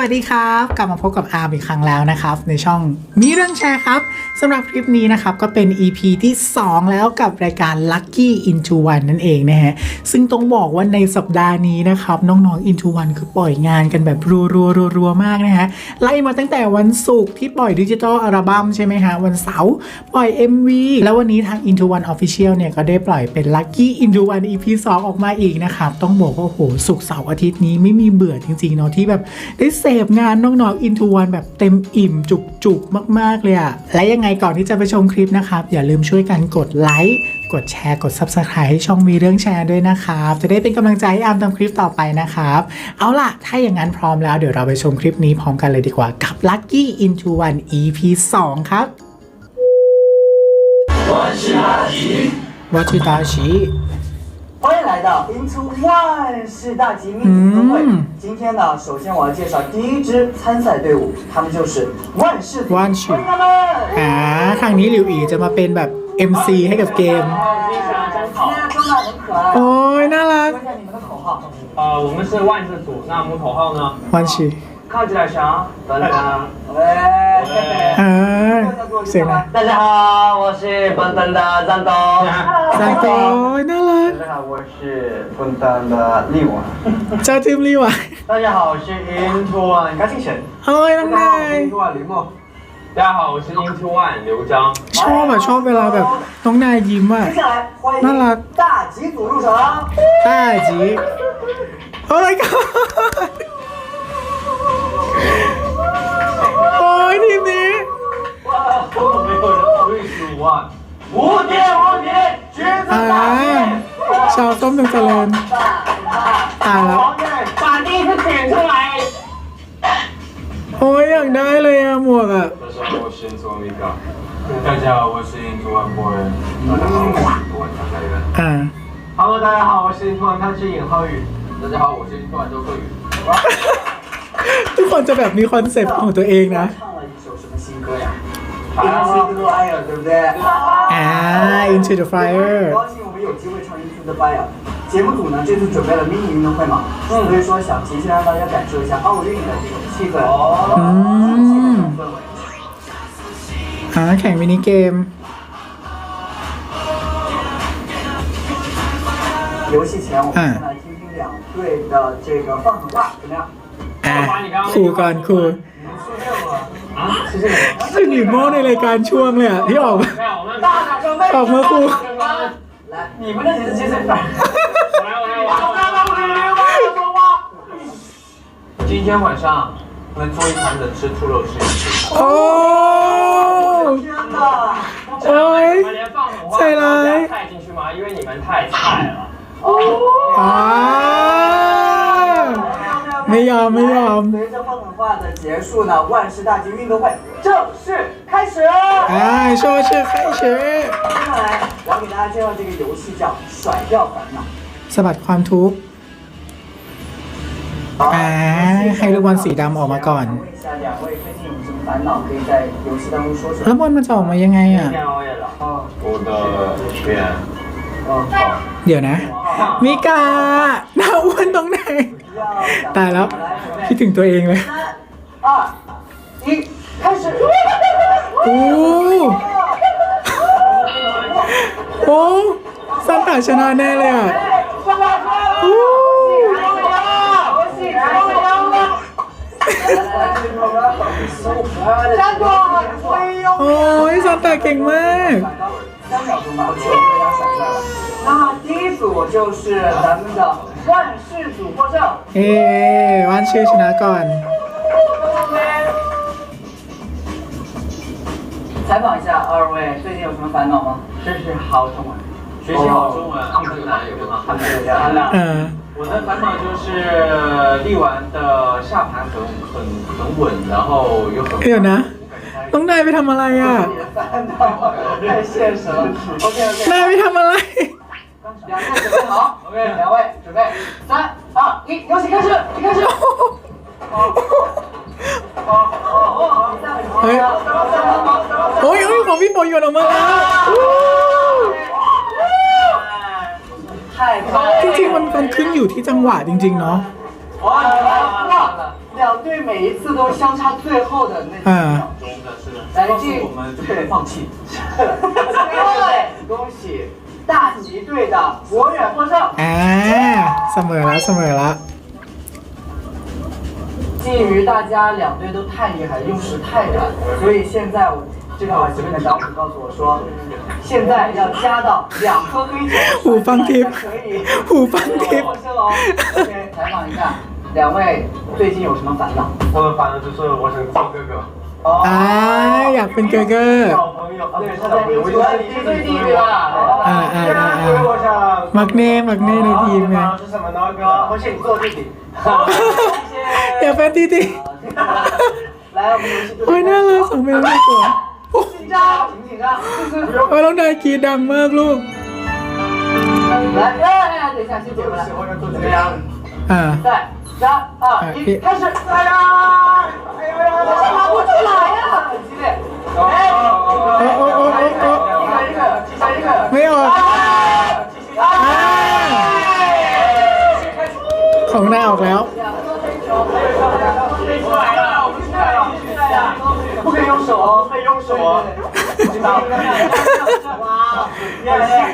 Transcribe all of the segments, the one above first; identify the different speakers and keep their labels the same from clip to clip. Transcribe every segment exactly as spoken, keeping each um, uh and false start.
Speaker 1: วัสดีครับกลับมาพบกับอาร์มอีกครั้งแล้วนะครับในช่องมีเรื่องแชร์ครับสำหรับคลิปนี้นะครับก็เป็น อี พี ที่สองแล้วกับรายการ Lucky Into One นั่นเองนะฮะซึ่งต้องบอกว่าในสัปดาห์นี้นะครับน้องๆ Into One คือปล่อยงานกันแบบรัวๆรัวๆมากนะฮะไล่มาตั้งแต่วันศุกร์ที่ปล่อยดิจิทัลอัลบั้มใช่ไหมฮะวันเสาร์ปล่อย เอ็ม วี แล้ววันนี้ทาง Into One Official เนี่ยก็ได้ปล่อยเป็น Lucky Into One อี พี สองออกมาอีกนะครับต้องบอกว่าโอ้โหศุกร์เสาร์อาทิตย์นี้ไม่มีเบื่อจริงๆเนาะที่แบบได้เสพงานน้องๆ Into One แบบเต็มอิ่มจุกๆมากๆเลยอะและยังไงก่อนที่จะไปชมคลิปนะครับอย่าลืมช่วยกันกดไลค์กดแชร์กด Subscribe ให้ช่องมีเรื่องแชร์ด้วยนะครับจะได้เป็นกำลังใจให้อาร์มทำคลิปต่อไปนะครับเอาล่ะถ้าอย่างนั้นพร้อมแล้วเดี๋ยวเราไปชมคลิปนี้พร้อมกันเลยดีกว่ากับ Lucky Into One อี พี สองครับวัชิตาชิ
Speaker 2: 欢迎来到 Into One 世大级命运分会。嗯、今天呢，首先我要介绍第一支参赛队伍，他们就是万事组。
Speaker 1: 万事。欢迎他们。อ่าครั้งนี้หลิวอีจะมาเป็นแบบ เอ็ม ซี ให้กับเกม。
Speaker 2: 今天装扮很可爱。
Speaker 1: โอ้ยน่ารัก。
Speaker 2: 说一下你们的口号。
Speaker 3: 呃，我们是万事组，那我们口号呢？
Speaker 1: 万事。
Speaker 2: 靠起来想，等等。喂。
Speaker 1: อ่าเสียงนะ
Speaker 2: 大家好，我是笨蛋的战斗。
Speaker 1: 战斗น่ารัก
Speaker 2: 大家好，我是笨蛋的力丸。
Speaker 1: เจ้าทีมลีวะ
Speaker 2: 大家好，我是 Into One 高敬神。
Speaker 1: เฮ้ยน้องนาย
Speaker 2: Into One 李默。
Speaker 3: 大家好，我是 Into One 刘章。
Speaker 1: ชอบอะชอบเวลาแบบน้องนายยิ้มอะน่ารัก
Speaker 2: 大吉组入场。
Speaker 1: 大吉โอ้ยก็โอ้ยทีมนี้
Speaker 3: 根本没有人对十五万。
Speaker 2: 无敌无敌，橘子大吉。
Speaker 1: ชาวส้มเป็นเจริญตายแล้ว
Speaker 3: 把第一个点出来。
Speaker 1: โอ้ยอยากได้เลยอะหมวกอะ
Speaker 3: 大家好，我是 Into One Mika。大家好，我是 Into One Boy。大家好，我是 Into One 张开元。
Speaker 1: อ่า
Speaker 2: Hello， 大家好，我是 Into One 汤之尹浩宇。
Speaker 3: 大家好，我是 Into One 周克宇。
Speaker 1: ทุกคนจะแบบมีคอนเซ็ปต์ของตัวเองนะ
Speaker 2: 唱了一首什么新歌呀？Into the Fire， 对不对？
Speaker 1: อ่า Into the Fire。
Speaker 2: 很高兴我们有机会唱 Into the Fire。节目组呢这次准备了迷你运动会嘛，所以说想提前让大家感受一下奥运的这种气氛，
Speaker 1: 嗯，
Speaker 2: 氛围。
Speaker 1: อ่าแข่งมินิเกม
Speaker 2: 游戏前我们先来听听两队的这个放狠话怎么样？
Speaker 1: อ่ะครูก่อนครูซึ่งหลิมโม่ในรายการช่วงเลยอ่ะที่ออกมาออกมาครู
Speaker 2: 来，你们的几次接谁反？
Speaker 3: 我来，我来，我来。今天晚上我们做一盘冷吃兔肉试一试。
Speaker 1: โอ้
Speaker 2: 天哪！
Speaker 1: โอ้ย
Speaker 3: 你们连放狠话都要带进去吗？因为你们太菜了。
Speaker 1: อ่าไม่ยอมไม่ยอม
Speaker 2: 随着放狠话的结束呢，万事大吉运动会正式开始。
Speaker 1: อ่าโชว์ชื่อใครชื่อ
Speaker 2: 接下来我要给大家介绍这个游戏叫甩掉烦恼。
Speaker 1: สะบัดความทุกข์อ่าให้ลูกบอลสีดำออกมาก่อน
Speaker 2: 问一下两位最近有什么烦恼可以在游戏当中说出来？
Speaker 1: แล้วบอลมันจะออกมายังไงอ่ะ
Speaker 3: 我的脸。
Speaker 1: เดี๋ยวนะมิกาหน้าอ้วนตรงไหนตายแล้วคิดถึงตัวเองเลย
Speaker 2: 三二一，开始！
Speaker 1: โอ้โอ้ซันตาชนะแน่เลยอ่ะโอ้โอ้ยซันตาเก่งมาก
Speaker 2: 三秒钟吧，我就给大家甩出来了。那么第一组就是咱们的万事组获胜。
Speaker 1: เอ๊วันชื่อชนะก่อน
Speaker 2: 采访一下二位，最近有什么烦恼吗？这是好中文，
Speaker 3: 学习好中文，很难有吗？很难。
Speaker 1: เออ
Speaker 3: 我的烦恼就是力丸的下盘很很很稳，然后又很。
Speaker 1: เดี๋ยวนะน้องนายไปทำอะไรอ่ะ
Speaker 2: 太现实了。OK OK。
Speaker 1: นายไปทำอะไร
Speaker 2: 两队准备好 ，OK，两位准备，三二一，游戏开始，一开始。
Speaker 1: เฮ้ยโอ้ยโอ้ยของพี่ฝนหยดออกมาแล้วจริงๆมันมันขึ้นอยู่ที่จังหวะจริงๆเนาะ
Speaker 2: 哇，两两队每一次都相差最后的那几秒钟。
Speaker 3: 是的，是的。
Speaker 2: 来，
Speaker 3: 告诉
Speaker 2: 这
Speaker 3: 我们就不能放弃。
Speaker 2: 对，恭喜大吉队的博远获胜。
Speaker 1: อ่าเสมอแล้วเสมอแล้ว
Speaker 2: 鉴于大家两队都太厉害，用时太短，所以现在我这个这边的小伙告诉我说，现在要加到两颗黑球，
Speaker 1: หูฟังทิพย์
Speaker 2: 可以
Speaker 1: หูฟังทิพย์
Speaker 2: 获胜哦。OK，采访一下，两位最近有什么烦恼？
Speaker 3: 我们反正就是我想做哥哥。
Speaker 1: อ่าอยากเป็นเกอร์เกอร์
Speaker 3: 小朋友，对，他在我就在你是最低对吧？
Speaker 1: อ่าอ่าอ่าอ่า
Speaker 3: 我想
Speaker 1: มักเน่มักเน่ในทีมไง
Speaker 3: 是什么呢，哥？我请你做弟弟。
Speaker 1: อยากเป็นตีตี
Speaker 2: 来，我们游戏
Speaker 1: โอ้ยน่ารักสองเมลน่ากลัว
Speaker 2: 紧张，紧不紧张？就是
Speaker 1: โอ้ยน้องนายกรีดดังมากลูก
Speaker 2: 来，哎哎，等一下，先姐过来。
Speaker 3: 我想做这个样子。
Speaker 1: อ่า
Speaker 2: 在三二一，开始！哎呀，哎呀呀，我拿不出来呀，很激烈。哎，一个一个，一个一个，
Speaker 1: ไม่ออกอ่าของนายออกแล้ว
Speaker 2: 不可以用手哦，可以用手哦。哇，厉害厉害！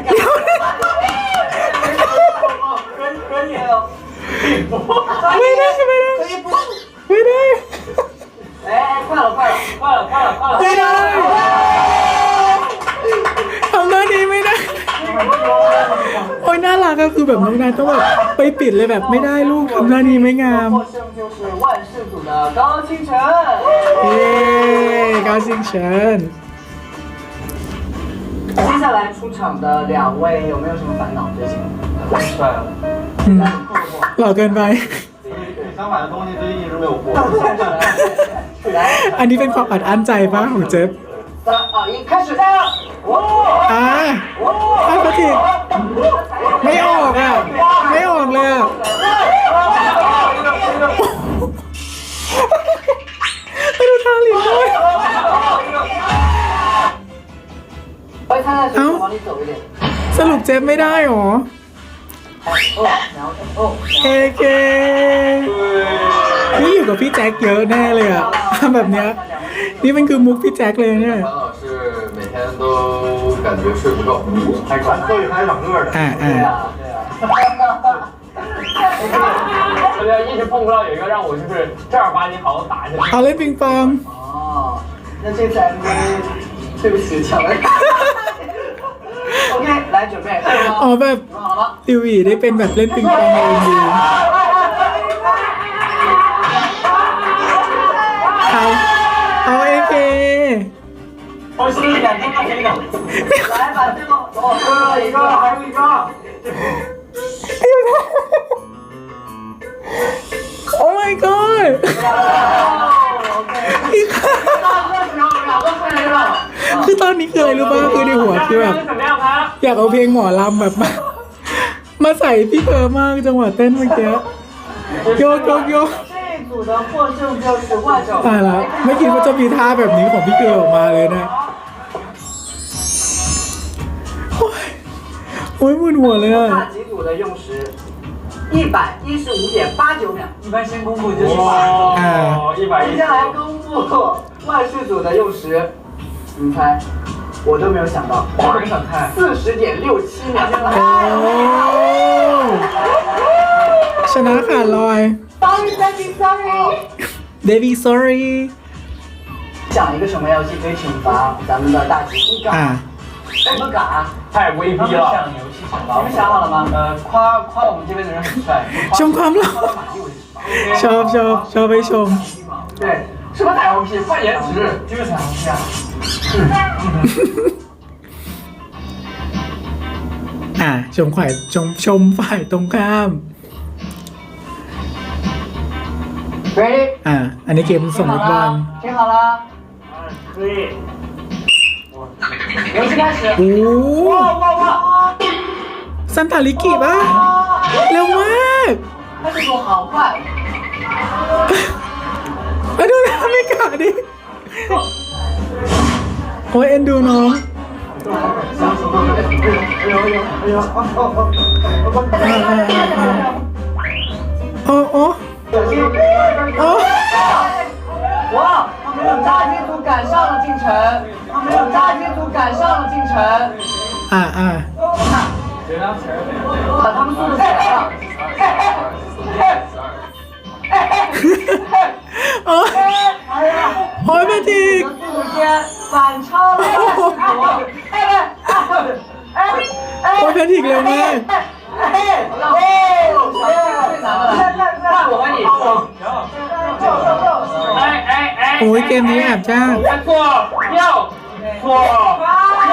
Speaker 2: 可以可以哦。
Speaker 1: ไม่ได้ไม่ได้ไม่ได้
Speaker 2: 哎，快了快了快了快了快了！
Speaker 1: ไม่ได้ทำหน้านี้ไม่ได้ โอ้ยน่ารักก็คือแบบน้องนายต้องแบบไปปิดเลยแบบไม่ได้ลูกทำหน้านี้ไม่งาม
Speaker 2: 获胜就是万事组的高清晨。
Speaker 1: เย้高兴เฉิน
Speaker 2: 接下来出场的两位有没有什么烦恼？最近？
Speaker 3: 太帅了。
Speaker 1: อืมหล่อเกินไป
Speaker 3: 想买的东西最近一直没有货。
Speaker 2: 来，
Speaker 1: อันนี้เป็นความอัดอั้นใจป่ะของเจฟ
Speaker 2: 三二一，开始！哇！
Speaker 1: อ่าไอ้ปะทิไม่ออกอ่ะ ไม่ออกเลยอ่ะ ไปดูทางหลินด้วย
Speaker 2: 我参赛选手往里走一点。
Speaker 1: สรุปเจฟไม่ได้หรอ
Speaker 2: 哦，然后哦，
Speaker 1: เอเคนี่อยู่กับพี่แจ็คเยอะแน่เลยอ่ะทำแบบเนี้ยนี่มันคือมุกพี่แจ็คเลยเนี่ย
Speaker 4: 烦恼是每天都感觉睡不够，
Speaker 3: 还管所以还长个的。
Speaker 1: อ่าอ่า
Speaker 2: 对啊，对啊。
Speaker 3: 我觉得一直碰不到有一个让我就是正儿八经好好打下去。
Speaker 1: เอาเล่นปิงปอง
Speaker 2: 哦，那这次 M V， 对不起，抢了。OK，来准备，准备
Speaker 1: อ๋อ
Speaker 2: 好
Speaker 1: แบบ
Speaker 2: 准备好了吗？
Speaker 1: ติวีได้เป็นแบบเล่นปิงปองในเอ็มวีเอาเอาเอเค
Speaker 3: 我是两千块钱的。
Speaker 2: 来把这个，哦，最后一个，还有一个。
Speaker 1: โอ้ my god อีกครั้ง
Speaker 2: 两个分人了。
Speaker 1: คือตอนนี้คืออะไรรู้ป่ะคือในหัวคือแบบ
Speaker 3: 怎么样，他？
Speaker 1: อยากเอาเพลงหมอลำแบบมามาใส่พี่เพอมากจังหวะเต้นเมื่อกี้โยกโยกโยก
Speaker 2: 这一组的获胜就是万胜。
Speaker 1: ตายแล้วไม่คิดว่าจะมีท่าแบบนี้ของพี่เกลออกมาเลยนะโอ้ยโอ้ยมึนหัวเลยอ่ะ
Speaker 2: 大吉组的用时一百一十五点八九秒。
Speaker 3: 一般先公布就是哇，一百一
Speaker 2: 接。下来公布万事组的用时，你们猜？我都没有想到，
Speaker 3: 我很想看。
Speaker 2: 四十点六七秒。
Speaker 1: โอ้ชนะขาดลอย
Speaker 2: Sorry, sorry, sorry。
Speaker 1: เดวี่ sorry
Speaker 2: 讲一个什么游戏可以惩罚咱们的大吉？一杆。
Speaker 1: อ่า
Speaker 2: 哎，不敢。
Speaker 3: 太威逼了。想游戏惩罚。
Speaker 2: 你们想好了吗？
Speaker 3: 呃，夸夸我们这边的人很帅。
Speaker 1: ชมความหล่อชอบชอบชอบไปชม
Speaker 2: 对，
Speaker 3: 什么彩虹屁？换颜值，就是彩虹屁啊。
Speaker 1: อ่าชมฝ่ายชมชมฝ่ายตรงข้าม
Speaker 2: Ready？
Speaker 1: อ่า อันนี้เกมสม
Speaker 2: 听
Speaker 1: ม
Speaker 2: 好
Speaker 1: ติบอล
Speaker 2: 了，听好了，
Speaker 3: 可以。
Speaker 2: 游戏开始。
Speaker 1: โอ้
Speaker 2: 哇哇哇！
Speaker 1: ซันตาลิกิป่ะเร็วมาก
Speaker 2: 他这组好快。
Speaker 1: มาดูนะไม่กล้าดิโอ้ยเอ็นดูน้องอ่าอ่าอ่าอ่าโอ้โอ้โอ้
Speaker 2: 哇，炸鸡组赶上了进城，炸鸡组赶上了进城，
Speaker 1: อ่าอ่า
Speaker 2: 把他们速度起来了。
Speaker 1: โอ้ยโอ้ยแพทริก
Speaker 2: 速度间反超了二十组。哎哎哎哎！
Speaker 1: โอ้ยแพทริกเร็วมาก
Speaker 2: 哎哦，最难的了，看我和你。
Speaker 3: 哎哎哎！
Speaker 1: โอ้ยเกมนี้แอบจ้าง
Speaker 3: 左右左右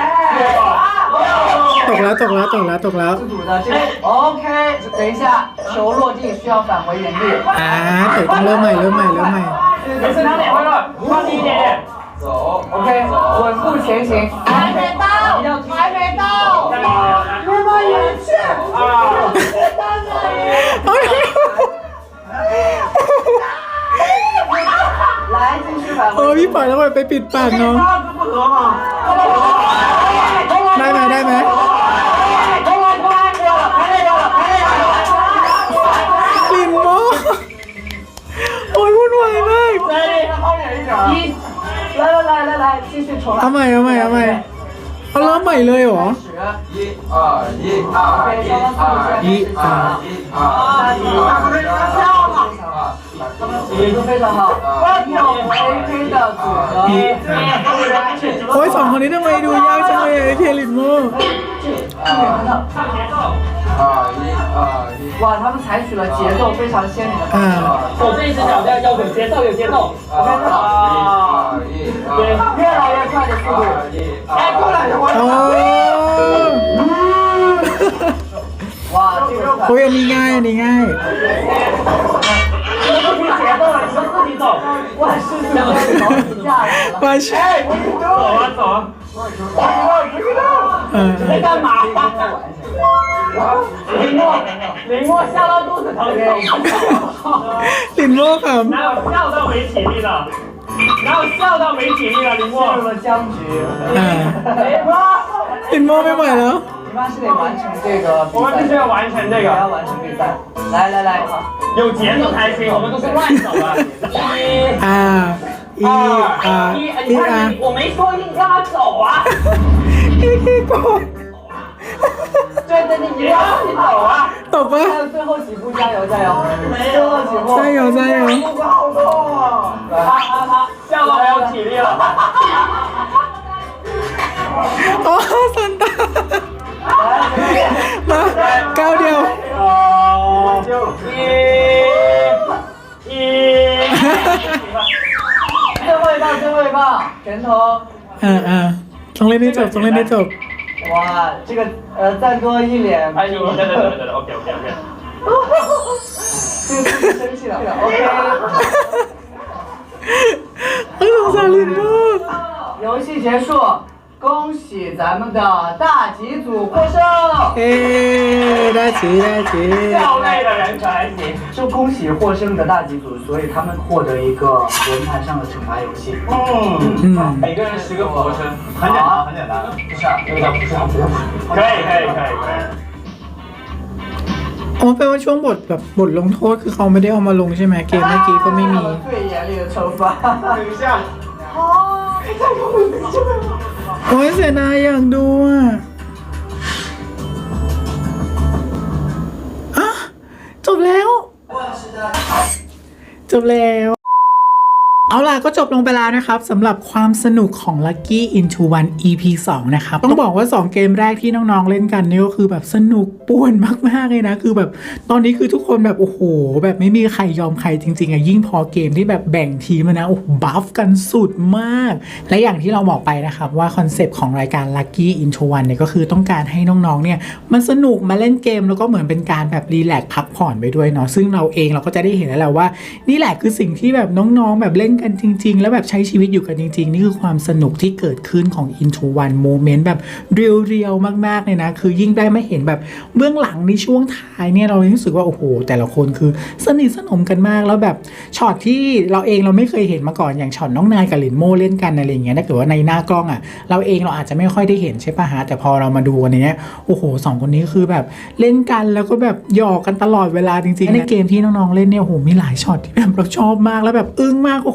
Speaker 3: 左
Speaker 1: ตกแล้วตกแล้วตกแล้วตกแล้ว
Speaker 2: 自主的这个 OK，等一下，球落地需要返回原地。
Speaker 1: อ่าเตะต้องเริ่มใหม่เริ่มใหม่เริ่มใหม่
Speaker 3: 没事，哪里会乱？放低一点点。
Speaker 4: 走
Speaker 2: OK，稳步前行。还没到，还没到。那么远去。
Speaker 3: 啊！
Speaker 2: 来，继续返
Speaker 1: โอ้ย
Speaker 2: 回。
Speaker 1: พี่ปล่อยแล้วไปปิดปากน้อง
Speaker 3: 这不合嘛？
Speaker 1: ได้ไหมได้ไหม
Speaker 2: 通来通来，过了，排队过了，排队过了。
Speaker 1: ลินโมโอ้ยวุ่นวายมาก
Speaker 2: 来，后面一点。一，来来来来来，继续重来。
Speaker 1: เอาใหม่เอาใหม่เอาใหม่เอาเริ่มใหม่เลยเหรอ
Speaker 2: 始。
Speaker 4: 一二一二一二一二一二
Speaker 2: 节奏非常好，有 A K 的组合。
Speaker 1: โอ้ยสองคนนี้ทำไมดูยากจังเลยไอ้เคลินโม
Speaker 4: 二一二一。
Speaker 2: 哇，他们采取了节奏非常鲜明的方式。
Speaker 1: อ่า
Speaker 3: 手这一只脚要要有节奏，有节奏。
Speaker 4: 二一
Speaker 3: 对，
Speaker 2: 越来越快的速度。
Speaker 4: 哎，过来，
Speaker 1: โอ้
Speaker 2: 哇，这个
Speaker 1: โอ้ยอันนี้ง่ายอันนี้ง่าย
Speaker 3: 你们不听节奏了，你们自己走。
Speaker 2: 万事速变，老子下来了。
Speaker 1: มาใช่
Speaker 3: 走啊走啊！
Speaker 1: เออ
Speaker 3: 你在干嘛？林默，林默笑到肚子疼。
Speaker 1: ลินโมข
Speaker 3: 哪有笑到没体力的？哪有笑到没体力的？林默
Speaker 2: 进入了僵局。
Speaker 1: ำอ่าลินโมไม่ไหวแล้ว
Speaker 2: 你们是得完成这个比
Speaker 3: 我们必须
Speaker 2: 赛，
Speaker 3: 要完成这
Speaker 2: 也要
Speaker 3: 个，
Speaker 2: 完成比赛。来来来，
Speaker 3: 有节奏才行，我们都是乱走的。一。
Speaker 1: อ่าอีอ่า
Speaker 3: 一，
Speaker 1: อี
Speaker 3: 你
Speaker 1: อ่า
Speaker 3: 看你，我没说你让他走啊。
Speaker 1: อีขี้โกง
Speaker 2: 对对对，你要自己走啊！
Speaker 1: ตบปะ
Speaker 2: 还有最后几步，加油加油！最后几步，
Speaker 1: ใช่เหรอใช่เหรอ
Speaker 2: 好痛啊！
Speaker 3: 他他他笑到没有体力了。
Speaker 1: โอ้สันตามาก้าวเดียว
Speaker 3: 哦，一，一。
Speaker 2: 最后一棒，最后一棒，拳头！
Speaker 1: อ่าอ่าต้องเล่นให้จบต้องเล่นให้จบ
Speaker 2: 哇，这个呃，再多一脸，
Speaker 3: 哎，你你等等等等等，OK OK OK。
Speaker 2: 这个自己生气了。OK，
Speaker 1: เฮ้ยสงสารลินโม
Speaker 2: 游戏结束，恭喜咱们的大吉组获胜。
Speaker 1: เอ๊ได้จีได้จี
Speaker 3: 笑累的人可还行。
Speaker 2: 就恭喜获胜的大吉组，所以他们获得一个轮盘上的惩罚游戏。
Speaker 3: 嗯，
Speaker 1: 嗯
Speaker 3: 每个人十个俯卧撑，很简单，很简单。不是啊，那个叫不是啊，不是。可以可以可以可以。
Speaker 1: อ๋อแปลว่าช่วงบทแบบบทลงโทษคือเขาไม่ได้เอามาลงใช่ไหมเกมเมื่อกี้ก็ไม่มี
Speaker 2: 最严厉的惩罚。
Speaker 3: 等一下。
Speaker 1: โอ้ยเสียดายอยากดูอ่ะอะจบแล้ว จบแล้ว เอาล่ะก็จบลงไปแล้วนะครับสำหรับความสนุกของ Lucky Into One อี พี สอง นะครับต้องบอกว่าสองเกมแรกที่น้องๆเล่นกันนี่ก็คือแบบสนุกป่วนมากๆเลยนะคือแบบตอนนี้คือทุกคนแบบโอ้โหแบบไม่มีใครยอมใครจริงๆอะยิ่งพอเกมที่แบบแบ่งทีมอะนะโอ้โหบัฟกันสุดมากและอย่างที่เราบอกไปนะครับว่าคอนเซปต์ของรายการ Lucky Into One เนี่ยก็คือต้องการให้น้องๆเนี่ยมันสนุกมาเล่นเกมแล้วก็เหมือนเป็นการแบบรีแลกซ์พักผ่อนไปด้วยเนาะซึ่งเราเองเราก็จะได้เห็นแล้วแหละว่านี่แหละคือสิ่งที่แบบน้องๆแบบเล่นกันจริงๆแล้วแบบใช้ชีวิตอยู่กันจริงๆนี่คือความสนุกที่เกิดขึ้นของ Into One Moment แบบเรียวๆมากๆเลยนะคือยิ่งได้มาเห็นแบบเบื้องหลังในช่วงท้ายเนี่ยเรารู้สึกว่าโอ้โหแต่ละคนคือสนิทสนมกันมากแล้วแบบช็อตที่เราเองเราไม่เคยเห็นมาก่อนอย่างช็อตน้องนายกับหลินโม่เล่นกันอะไรอย่างเงี้ยถ้าเกิดว่าในหน้ากล้องอ่ะเราเองเราอาจจะไม่ค่อยได้เห็นใช่ปะฮะแต่พอเรามาดูกันเนี้ยโอ้โหสองคนนี้คือแบบเล่นกันแล้วก็แบบหยอกกันตลอดเวลาจริงๆในเกมที่น้องๆเล่นเนี่ยโอ้โหมีหลายช็อตที่แบบเราชอบมากแล้วแบบอึ้งมากโอ้โห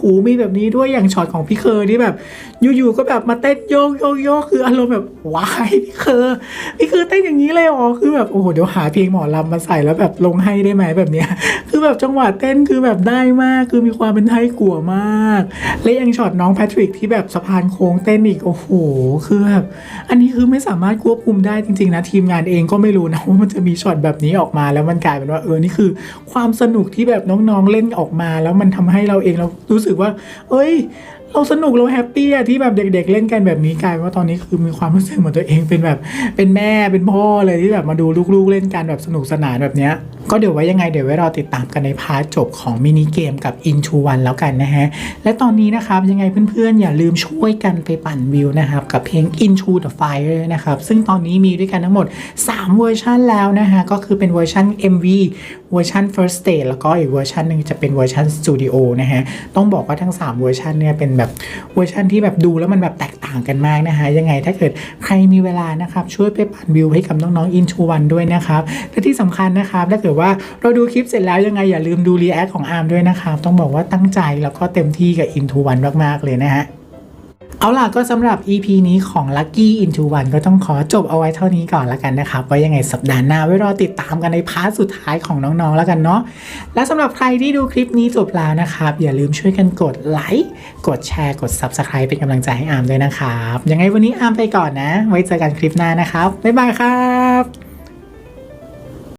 Speaker 1: มีแบบนี้ด้วยอย่างช็อตของพี่เคอร์ที่แบบอยู่ๆก็แบบมาเต้นโยกโยกโยกคืออารมณ์แบบว้ายพี่เคอร์พี่เคอร์เต้นอย่างนี้เลยอ๋อคือแบบโอ้โหเดี๋ยวหาเพลงหมอลำมาใส่แล้วแบบลงให้ได้ไหมแบบเนี้ยคือแบบจังหวะเต้นคือแบบได้มากคือมีความเป็นไทยกัวมากและยังช็อตน้องแพทริกที่แบบสะพานโค้งเต้นอีกโอ้โหคือแบบอันนี้คือไม่สามารถควบคุมได้จริงๆนะทีมงานเองก็ไม่รู้นะว่ามันจะมีช็อตแบบนี้ออกมาแล้วมันกลายเป็นว่าเออนี่คือความสนุกที่แบบน้องๆเล่นออกมาแล้วมันทำให้เราเองเรารู้สึกว่าเอ้ยเราสนุกเราแฮปปี้อะที่แบบเด็กๆเล่นกันแบบนี้กลายว่าตอนนี้คือมีความรู้สึกเหมือนตัวเองเป็นแบบเป็นแม่เป็นพ่อเลยที่แบบมาดูลูกๆเล่นกันแบบสนุกสนานแบบเนี้ยก็เดี๋ยวไว้ยังไงเดี๋ยวไว้รอติดตามกันในพาร์ทจบของมินิเกมกับ Into One แล้วกันนะฮะและตอนนี้นะครับยังไงเพื่อนๆอย่าลืมช่วยกันไปปั่นวิวนะครับกับเพลง Into the Fire นะครับซึ่งตอนนี้มีด้วยกันทั้งหมดสามเวอร์ชันแล้วนะฮะก็คือเป็นเวอร์ชัน เอ็ม วี เวอร์ชัน First Stage แล้วก็อีกเวอร์ชันหนึ่งจะเป็นเวอร์ชัน Studio นะฮะต้องบอกว่าทั้งสามเวอร์ชันเนี่ยเป็นแบบเวอร์ชันที่แบบดูแล้วมันแบบแตกต่างกันมากนะฮะยังไงถ้าเกิดใครมีเวลานะครับช่วยไปปั่นวิวให้กับน้องๆ Into One ด้วยนะครับและที่สำคัญนะครับถ้าเกิดว่าเราดูคลิปเสร็จแล้วยังไงอย่าลืมดูรีแอคของอาร์มด้วยนะครับต้องบอกว่าตั้งใจแล้วก็เต็มที่กับ Into One มากๆเลยนะฮะเอาล่ะก็สำหรับ อี พี นี้ของ Lucky Into One ก็ต้องขอจบเอาไว้เท่านี้ก่อนแล้วกันนะครับไว้ยังไงสัปดาห์หน้าไว้รอติดตามกันในพาร์ทสุดท้ายของน้องๆแล้วกันเนาะและสำหรับใครที่ดูคลิปนี้จบแล้วนะครับอย่าลืมช่วยกันกดไลค์กดแชร์กด ซับสไครบ์ เป็นกำลังใจให้อาร์มด้วยนะครับยังไงวันนี้อาร์มไปก่อนนะไว้เจอกันคลิปหน้านะครับบ๊ายบายครับ